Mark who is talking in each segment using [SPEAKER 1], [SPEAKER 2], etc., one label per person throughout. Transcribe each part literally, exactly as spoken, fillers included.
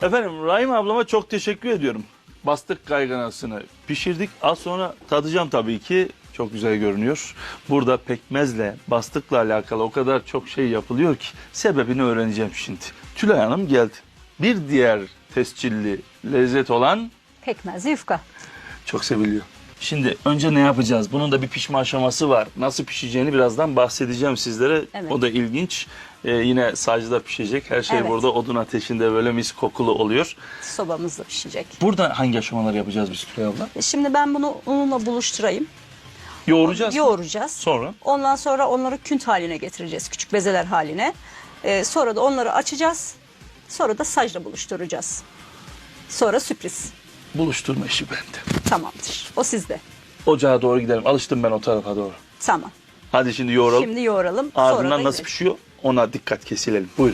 [SPEAKER 1] Efendim Rahim ablama çok teşekkür ediyorum. Bastık kayganasını pişirdik. Az sonra tadacağım tabii ki. Çok güzel görünüyor. Burada pekmezle, bastıkla alakalı o kadar çok şey yapılıyor ki sebebini öğreneceğim şimdi. Tülay Hanım geldi. Bir diğer tescilli lezzet olan
[SPEAKER 2] Pekmezli yufka.
[SPEAKER 1] çok seviliyor. Şimdi önce ne yapacağız? Bunun da bir pişme aşaması var. Nasıl pişeceğini birazdan bahsedeceğim sizlere.
[SPEAKER 2] Evet.
[SPEAKER 1] O da ilginç. Ee, yine sacda pişecek. Her şey
[SPEAKER 2] Evet.
[SPEAKER 1] burada odun ateşinde böyle mis kokulu oluyor.
[SPEAKER 2] Sobamızda pişecek.
[SPEAKER 1] Burada hangi aşamaları yapacağız biz Tülay abla?
[SPEAKER 2] Şimdi ben bunu unla buluşturayım.
[SPEAKER 1] Yoğuracağız.
[SPEAKER 2] Yoğuracağız.
[SPEAKER 1] Sonra?
[SPEAKER 2] Ondan sonra onları künt haline getireceğiz. Küçük bezeler haline. Ee, sonra da onları açacağız. Sonra da sacla buluşturacağız. Sonra sürpriz.
[SPEAKER 1] Buluşturma işi bende.
[SPEAKER 2] Tamamdır. O sizde.
[SPEAKER 1] Ocağa doğru gidelim. Alıştım ben o tarafa doğru.
[SPEAKER 2] Tamam.
[SPEAKER 1] Hadi şimdi yoğuralım.
[SPEAKER 2] Şimdi yoğuralım.
[SPEAKER 1] Ardından
[SPEAKER 2] sonra da
[SPEAKER 1] nasıl pişiyor ona dikkat kesilelim. Buyurun.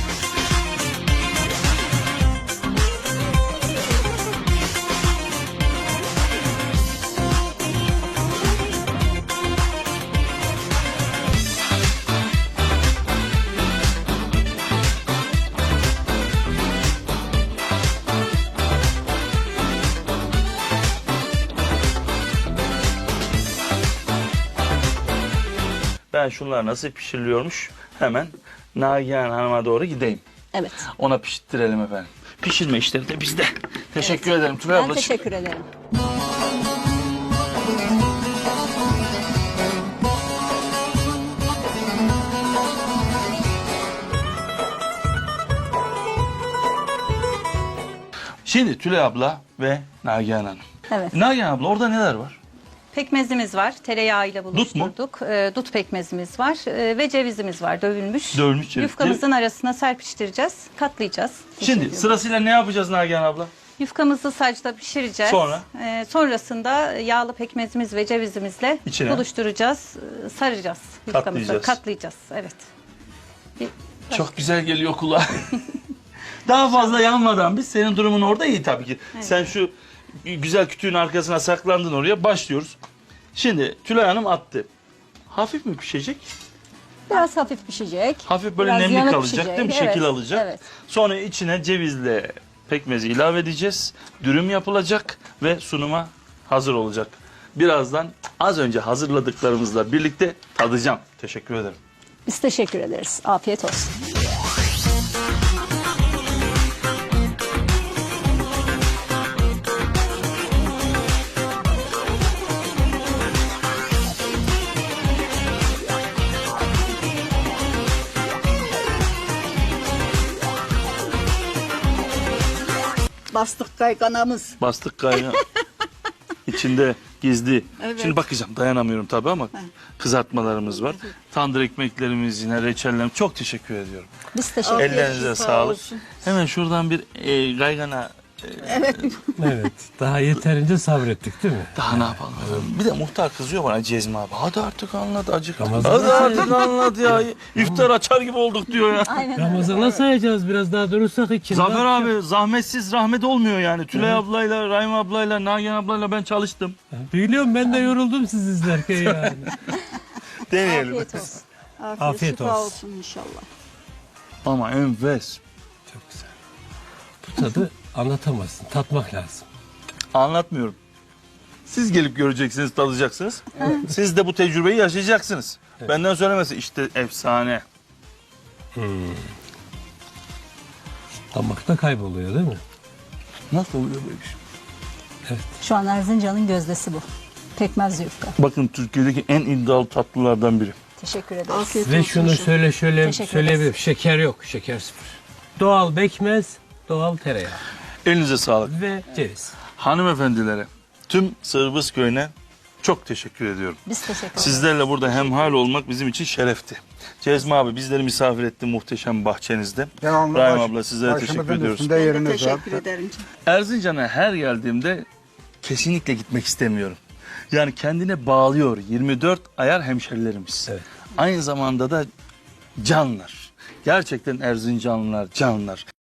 [SPEAKER 1] Ben şunlar nasıl pişiriliyormuş hemen Nagihan Hanım'a doğru gideyim.
[SPEAKER 2] Evet.
[SPEAKER 1] Ona pişirttirelim efendim. Pişirme işleri de bizde. Teşekkür ederim Tülay
[SPEAKER 2] Ben
[SPEAKER 1] ablacığım.
[SPEAKER 2] teşekkür ederim.
[SPEAKER 1] Şimdi Tülay abla ve Nagihan Hanım.
[SPEAKER 2] Evet.
[SPEAKER 1] Nagihan abla orada neler var?
[SPEAKER 3] Pekmezimiz var. Tereyağıyla
[SPEAKER 1] mu?
[SPEAKER 3] buluşturduk. Ee, Dut pekmezimiz var. Ee, ve cevizimiz var. Dövülmüş.
[SPEAKER 1] Dövülmüş ceviz.
[SPEAKER 3] Yufkamızın arasına serpiştireceğiz. Katlayacağız.
[SPEAKER 1] Şimdi
[SPEAKER 3] Teşekkür
[SPEAKER 1] sırasıyla ne yapacağız Nagihan abla?
[SPEAKER 3] Yufkamızı sacda pişireceğiz.
[SPEAKER 1] Sonra?
[SPEAKER 3] Ee, sonrasında yağlı pekmezimiz ve cevizimizle
[SPEAKER 1] İçine?
[SPEAKER 3] buluşturacağız. ee, Saracağız yufkamızı.
[SPEAKER 1] Katlayacağız.
[SPEAKER 3] Katlayacağız. Evet. Bir-
[SPEAKER 1] Çok güzel geliyor kulağa. Daha fazla yanmadan biz senin durumun orada iyi tabii ki. Sen şu güzel kütüğün arkasına saklandın oraya başlıyoruz. Şimdi Tülay Hanım attı. Hafif mi pişecek?
[SPEAKER 2] Biraz hafif pişecek.
[SPEAKER 1] Hafif böyle
[SPEAKER 2] Biraz
[SPEAKER 1] nemli
[SPEAKER 2] yanık
[SPEAKER 1] kalacak
[SPEAKER 2] pişecek.
[SPEAKER 1] değil mi?
[SPEAKER 2] Evet,
[SPEAKER 1] Şekil alacak.
[SPEAKER 2] Evet.
[SPEAKER 1] Sonra içine cevizle pekmezi ilave edeceğiz. Dürüm yapılacak ve sunuma hazır olacak. Birazdan az önce hazırladıklarımızla birlikte tadacağım. Teşekkür ederim.
[SPEAKER 2] Biz teşekkür ederiz. Afiyet olsun. Bastık kayganamız.
[SPEAKER 1] Bastık kaynağı. İçinde gizli.
[SPEAKER 2] Evet.
[SPEAKER 1] Şimdi bakacağım dayanamıyorum tabii ama kızartmalarımız var. Tandır ekmeklerimiz yine reçellerimiz. Çok teşekkür ediyorum.
[SPEAKER 2] Biz teşekkür ederiz.
[SPEAKER 1] Ellerinize sağlık. Hemen şuradan bir e, gaygana
[SPEAKER 4] Evet. Daha yeterince sabrettik değil mi?
[SPEAKER 1] daha ne yapalım efendim? Bir de muhtar kızıyor bana Cezmi abi. Hadi artık anlat acık.
[SPEAKER 4] Ramazan
[SPEAKER 1] Hadi
[SPEAKER 4] nasıl?
[SPEAKER 1] artık anlat ya. İftar açar gibi olduk diyor ya.
[SPEAKER 2] Aynen öyle.
[SPEAKER 4] Ramazan'a sayacağız biraz daha durursak için.
[SPEAKER 1] Zafer abi zahmetsiz rahmet olmuyor yani. Tülay ablayla, Rahim ablayla, Nagihan ablayla ben çalıştım.
[SPEAKER 4] Biliyorum ben de yoruldum siz izlerken yani.
[SPEAKER 1] Deneyelim.
[SPEAKER 2] Afiyet olsun. Afiyet,
[SPEAKER 4] Afiyet
[SPEAKER 2] şifa
[SPEAKER 4] olsun.
[SPEAKER 2] olsun inşallah.
[SPEAKER 1] Ama enfes.
[SPEAKER 4] Çok güzel. Bu tadı anlatamazsın. Tatmak lazım.
[SPEAKER 1] Anlatmıyorum. Siz gelip göreceksiniz, tadacaksınız. Siz de bu tecrübeyi yaşayacaksınız. Benden söylemesi işte efsane.
[SPEAKER 4] Damakta kayboluyor değil mi?
[SPEAKER 1] Nasıl oluyor böyle bir şey?
[SPEAKER 2] Şu an Erzincan'ın gözdesi bu. Pekmez yufka.
[SPEAKER 1] Bakın Türkiye'deki en iddialı tatlılardan biri.
[SPEAKER 2] Teşekkür ederiz.
[SPEAKER 4] Ve şunu şöyle şöyle
[SPEAKER 2] Teşekkür
[SPEAKER 4] söyleyebilirim.
[SPEAKER 2] ederiz.
[SPEAKER 4] Şeker yok. Şeker sıfır. Doğal pekmez, doğal tereyağı
[SPEAKER 1] Elinize sağlık.
[SPEAKER 4] ve ceviz.
[SPEAKER 1] Hanımefendilere, tüm Sırbız köyüne çok teşekkür ediyorum.
[SPEAKER 2] Biz teşekkür ederiz.
[SPEAKER 1] Sizlerle burada hemhal olmak bizim için şerefti. Cezmi abi bizleri misafir etti muhteşem bahçenizde.
[SPEAKER 5] Devamlı
[SPEAKER 1] Rahim
[SPEAKER 5] baş-
[SPEAKER 1] abla sizlere teşekkür
[SPEAKER 5] başımızın
[SPEAKER 1] ediyoruz.
[SPEAKER 5] üstünde yeriniz var.
[SPEAKER 6] Teşekkür ederim.
[SPEAKER 1] Erzincan'a her geldiğimde kesinlikle gitmek istemiyorum. Yani kendine bağlıyor yirmi dört ayar hemşerilerimiz.
[SPEAKER 4] Evet.
[SPEAKER 1] Aynı zamanda da canlar. Gerçekten Erzincanlılar canlar.